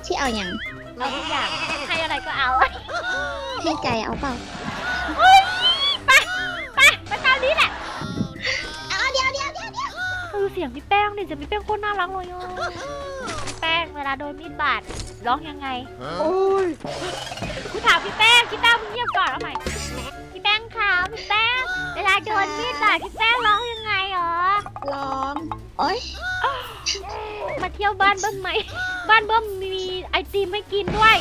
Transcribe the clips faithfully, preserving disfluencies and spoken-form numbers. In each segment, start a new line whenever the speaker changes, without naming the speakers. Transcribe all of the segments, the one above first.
ที่เอาอย่าง
เราทุกอย่างให้อะไรก็เอา
ให้ใจเอาเปล่า
เฮ้ยไปไปไปตามนี้แหละ
เอาเดี๋ยวเดี๋ยวเดี๋ยวเดี๋ยว
คือเสียงพี่แป้งเนี่ยจะพี่แป้งโคตรน่ารักเลยอ่ะพี่แป้งเวลาโดนมีดบาดร้องยังไงโอ้ยกูถามพี่แป้งพี่แป้งมึงเงียบก่อนเอาใหม่พี่แป้งขาวพี่แป้งเวลาโดนมีดบาดพี่แป้งร้องยังไงหรอ
ร้องโอ๊ย
มาเที่ยวบ้านเบิ้มไหมบ้านเบิ้มมีไอติมให้กินด้วย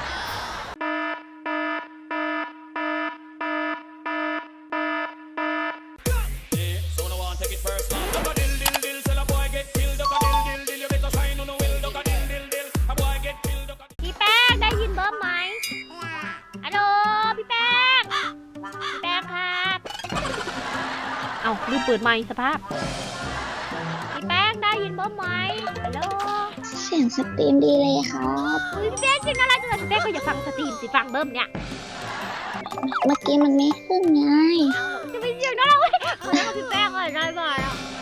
พี่แป้งได้ยินเบิ้มไหมฮัลโหลพี่แป้งพี่แป้งครับเอาลืมเปิดไมค์สภาพพี่แป้งได้ยินเบิ้มไหมฮัลโหล
เสียงสตรีมดีเลยครับ
พี่แป้งจริงอะไรจังเลยพี่แป้งก็อย่าฟังสตรีมสิฟังเบิ้มเนี่ย
เมื่อกี้มันไม่ขึ้นไง
จะไปเสียงน่ารักเว้ยคนนั้นพี่แป้งอะไรได้บ้าง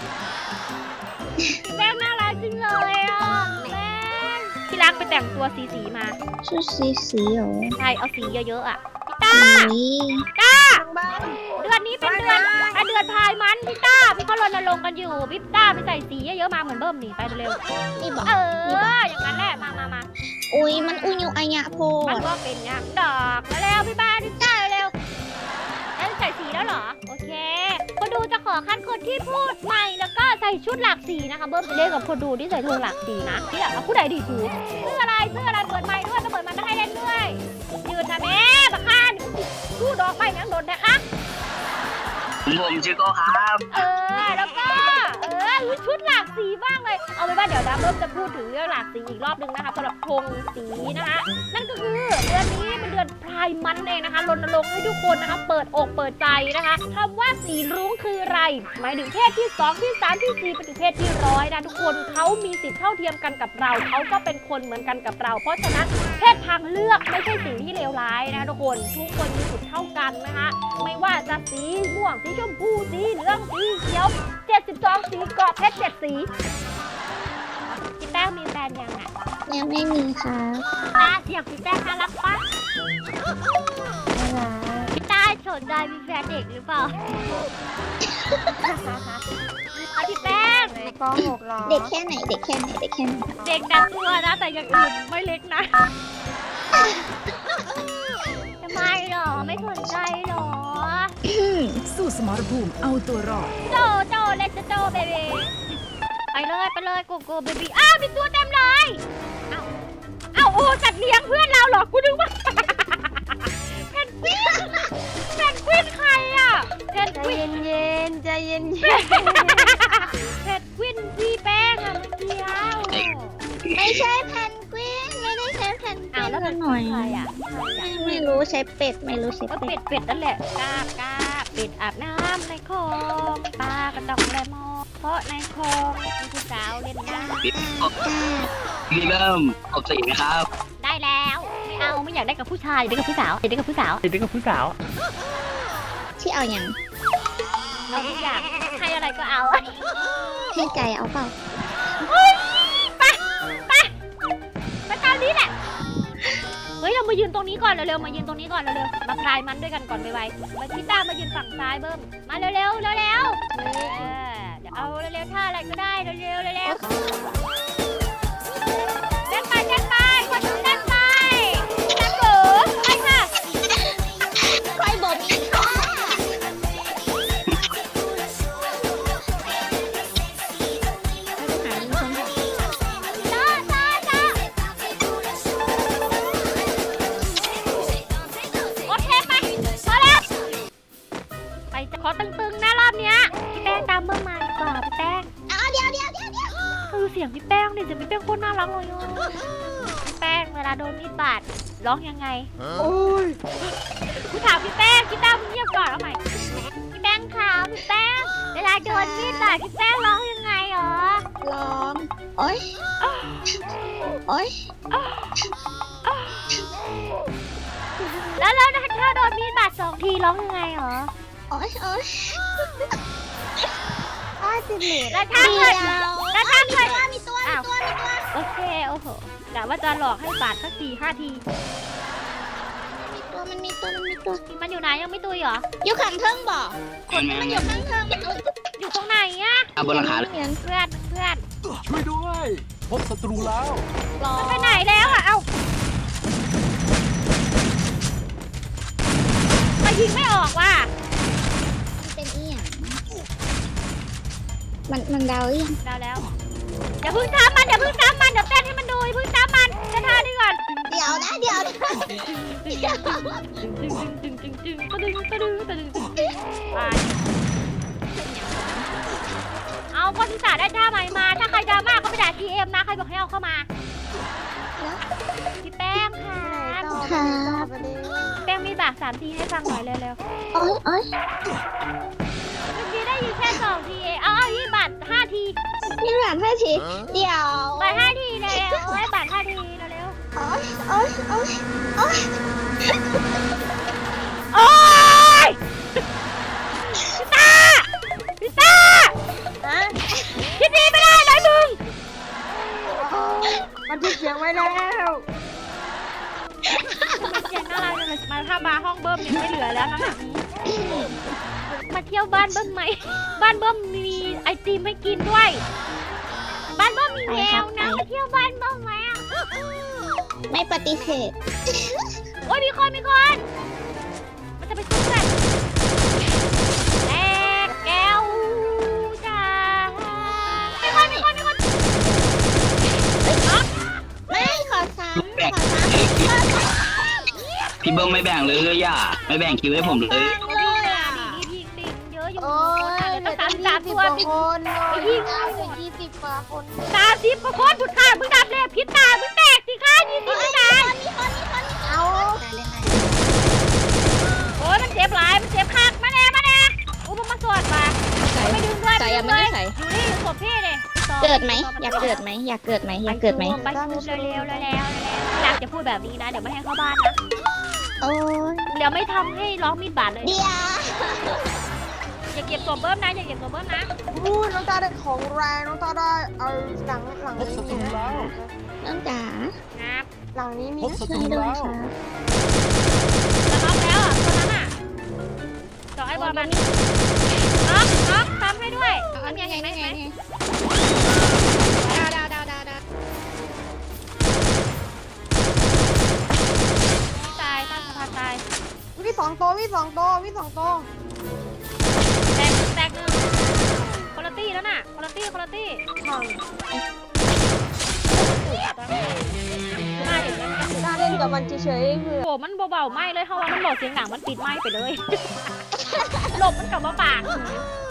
พี่แป้งน่ารักจริงเลยอ่ะแป้งพี่รักไปแต่งตัวสีสีมา
ชุดสีสีเหรอ
ใช่เอาสีเยอะๆอ่ะพี่ต้าต้าเดือนนี้เป็นเดือนเดือนพายมันพี่ต้าพี่เขารณรงค์กันอยู่พี่ต้าไปใส่สีเยอะๆมาเหมือนเบิ้มนี่ไปเร็ว
นี่บอก
เอออย่างนั้นแหละมามามา
อุ้ยมันอุ้ยอยู่อายะโพ
มันก็เป็นอย่างดอกแล้วเร็วพี่บ้าพี่ต้าเร็วแล้วใส่สีแล้วเหรอโอเคคนดูจะขอคัดคนที่พูดใหม่แล้วก็ใส่ชุดหลากสีนะคะเบิ้มไปเล่นกับคนดูที่ใส่ชุดหลากสีนะที่แบบผู้ใดดีถูกเสื้ออะไรเสื้ออะไรเปิดไมค์ด้วยก็เปิดไมค์มาให้เล่นด้วยยืนนะแม่บักข้านสู้ดอกไปยังโดนนะคะ
ผมชื่อโก้ครับ
เออแล้วก็เออชุดหลากสีบ้างเลยเอาไว้ว่าเดี๋ยวนะเบิ้มจะพูดถึงเรื่องหลากสีอีกรอบนึงนะคะสำหรับธงสีนะคะนั่นก็คือเดือนนี้เป็นเดือนพรายมันเองนะคะรณรงค์ให้ทุกคนนะคะเปิดอกเปิดใจนะคะคำว่าสีรุ้งคืออะไรหมายถึงเพศที่สองที่สามที่สี่ไปถึงเพศที่ร้อยนะทุกคนเขามีสิทธิ์เท่าเทียมกันกับเราเขาก็เป็นคนเหมือนกันกับเราเพราะฉะนั้นเพศทางเลือกไม่ใช่สิ่งที่เลวร้ายนะคะทุกคนทุกคนมีสิทธิ์เท่ากันนะคะไม่ว่าจะสีม่วงสีชมพูสีเหลืองสีเขียวเจ็ดสิบสองสีเกาะเพชรเจ็ดสีพี่แป้งมีแฟนยังอ่ะ
ยังไม่มีค่ะ
ตาเสียงพี่แป้งน่ารักปะพี่ตาสนใจมีแฟนเด็กหรือเปล่าเอาพี่แป้ง
ป หก หรอเด็กแค่ไหนเด็กแค่ไหนเด็กแค่ไหน
เด็กแต่ตัวนะแต่อย่างอื่นไม่เล็กนะทำไมหรอไม่สนใจหรอ
สู้สมรภูมิเอาตัวรอด
โจโจเลสโจเบบีไปเลยไปเลยโกโก้เบบีอ้าวมีตัวเต็มเลยเอ้าเอ้าโอ้จัดเลี้ยงเพื่อนเราหรอกูนึกว่าเพนกวินเพนกวินใครอ่ะเพนกวิน
เย็นใจเย็น
เพนกวินพี่แป้งอะเมื่อกี้
ไม่ใช่เพนกวินไม่ได้ใช้เพนกวินแล้วหน่อยไม่รู้ใช้เป็ดไม่รู้ใช้
เป็ดเป็ดนั่นแหละกาบกาบเป็ดอาบน้ำในคลองปลากระดองแลมอเพราะในคลองมีผู้สาวเล่นน้ำ
พี่เริ่มออกสีนะครับ
ได้แล้วไม่เอาไม่อยากได้กับผู้ชายอยากได้กับผู้สาวอยากได้กับผู้สาว
อยากได้กับผู้สาว
ที่เอาอย่าง
เราทุกอย่างให้อะไรก็เอา
ให้ใจเอาเปล่า
ไปไปไปตามนี้แหละเฮ้ยเรามายืนตรงนี้ก่อนเร็วๆมายืนตรงนี้ก่อนเร็วๆมาพลายมันด้วยกันก่อนไปไวมาพี่ต้ามายืนฝั่งซ้ายเบิ้มมาเร็วๆเร็วๆเร็วเดี๋ยวเอาเร็วๆท่าอะไรก็ได้เร็วๆเร็วๆเต้นไปเต้นไปคนดูเต้นไปเต้นเก๋ไปค่ะ
ใครบอกมีค่ะ
ขอตึงๆนะรอบเนี้ยพี่แป้งตามเบอร์มาดีกว่าพี่แป้ง
เอาเดี๋ยวเดี๋ยวเดี๋ยวเดี๋ยว
คือเสียงพี่แป้งเนี่ยจะพี่แป้งโคตรน่ารักเลยพี่แป้งเวลาโดนมีดบาดร้องยังไงโอ้ยกูถามพี่แป้งพี่ต้ามึงเงียบก่อนเอาใหม่พี่แป้งขาวพี่แป้งเวลาโดนมีดบาดพี่แป้งร้องยังไงหรอ
ร้องโอ๊ยโอ๊ย
แล้วแล้วถ้าโดนมีดบาดสองทีร้องยังไงหรอ
โอ๊ยโอ๊ยอ้าวสิบเหรียญ
แล้วถ้าเกิดแล้วถ้าเกิด
มีตัว
อ้าว
ตัวมีตัว
โอเคโอ้โหกะว่าจะหลอกให้บาดสักสี่ห้าที
มีตัวมันมีตัวมันมีตัว
มันอยู่ไหนยังไม่ตุยเหรอ
อยู่ขังเทิงบ่คนที่
แม่
มันอยู่ข้างเทิงมันเอา
อยู่ตรงไหนอะ
เอาบนหลังคาเลย
เหมือน
เพื่อนเพื่อน
ช่วยด้วย พบศัตรูแล้ว
รอ
ไปไหนแล้วอะเอ้ามายิงไม่ออกว่ะ
มันเป็นอีหยังมันมันเดาอีหยัง
ได้แล้วอย่าเพึ่งตามมันอย่าเพึ่งตามมันเดี๋ยวเต้นให้มันดูอย่าเพึ่งตามมันเต้นท่านี้ก่อน
เดี๋ยวนะเดี๋ยวนะเดี๋ยว
ตึงตึงตึงตึงตึงตึงตึงตึงตึงตึงตึงไปเอาก็ที่สาได้ท่าใหม่มาถ้าใครดราม่าก็ไปด่าทีเอ็มนะใครบอกให้เอาเข้ามาพี่แป้งค่ะ
ค่ะ
แป้งมีบากสามทีให้ฟังหน่อยเร็ว
โอ๊ยโอ๊ย
ๆเมื่อกี้ได้ยินแค่สองทีเองเอาเอายี่บาทห้าที
นี่หลานท่าทีเดี๋ยว
บาทห้าทีเร็วๆโอ้ยบาทห้าทีเร็ว
โอ๊ยโอ๊ยโอ๊ยโอ๊ย
ๆโอ้ยพี่ตาพี่ตาคิดดีไม่ได้เลยมึง
มันที่เสียงไว้แล้ว
เสียงน่ารักจังเลยมาถ้ามาห้องเบิ้มยังไม่เหลือแล้วนะมาเที่ยวบ้านเบิ้มไหมบ้านเบิ้มมีไอติมให้กินด้วย บ้านเบิ้มมีแมวนะมาเที่ยวบ้านเบิ้มไหมอ่ะ
ไม่ปฏิเสธ
โอ้ยมีคนมีคนมันจะไปสู้กันแตกแก้วจ้ามีคนมีคนมีคนอ๊ะ
ไม่ขอซ้ำขอซ้ำ
พี่เบิ้มไม่แบ่งเลยย่าไม่แบ่งคิวให้ผมเลย
เลยอ่ะ
ดีดีดีเยอะอยู่
โอ้ย
เดี๋ยวต้องสามสามตัวไป
คน
ไปยิง
เอาไปยี่สิบกว่าคน
สามสิบกว่าคนบุดขามึงดับเลยพิษตามึงแตกสิคะยี่สิบไม่นาน
มีคนมีคนมีคน
เอา
โอ้ยมันเจ็บหลายมันเจ็บคักมาแน่มาแน่อุ้มมาสวดมาไม่ดึงด้วยไม่ดึงด้วยอยู่นี่ศพพี่เลย
เกิดไหมอยากเกิดไหมอยากเกิดไหมอยากเกิดไหม
ไปชุบเร็วๆเร็วๆเร็วๆอยากจะพูดแบบนี้นะเดี๋ยวไม่ให้เข้าบ้านนะ
โอ้ย
เดี๋ยวไม่ทำให้ร้องมีดบาดเลย
เดี๋ยว
อย่าเก็บตัวเบิ้มนะอย่าเก็บตัวเบิ้มนะ
พูดน้องตาได้ของแรงน้องตาได้เอาหลังหลัง
พบ
นี้
ศัต
มี
รู
นะ
แล้ว
น้องจ๋า
งับ
หลังนี้มี
พบศัต
ช่ว
รู
ยด้วย
แล้ว
ค่ะ
จะน็อกแล้วอ่ะตัวนั้นอ่ะจ่อไอ้บอลมันน็อกน็อกทำให้ด้วย
อันนี้
เห็นไหม
ไง
เห็นไหม
ไงดาวดาวดาวดาวดาว
ตายตั้งสะพานตาย
มีสองตัวมีสองตัวมีสองตัว
แตกแตกหนึ่งคนละตี้แล้วน่ะคนละตี้คนละตี้
ถัง
มาเห็นไหม
ตาเล่นกับมันเฉยๆเพื่อ
โอ้มันเบาๆไหมเลยเพราะว่ามันบอกเสียงหนังมันปิดไหมไปเลย หลบมันกลับมาปาก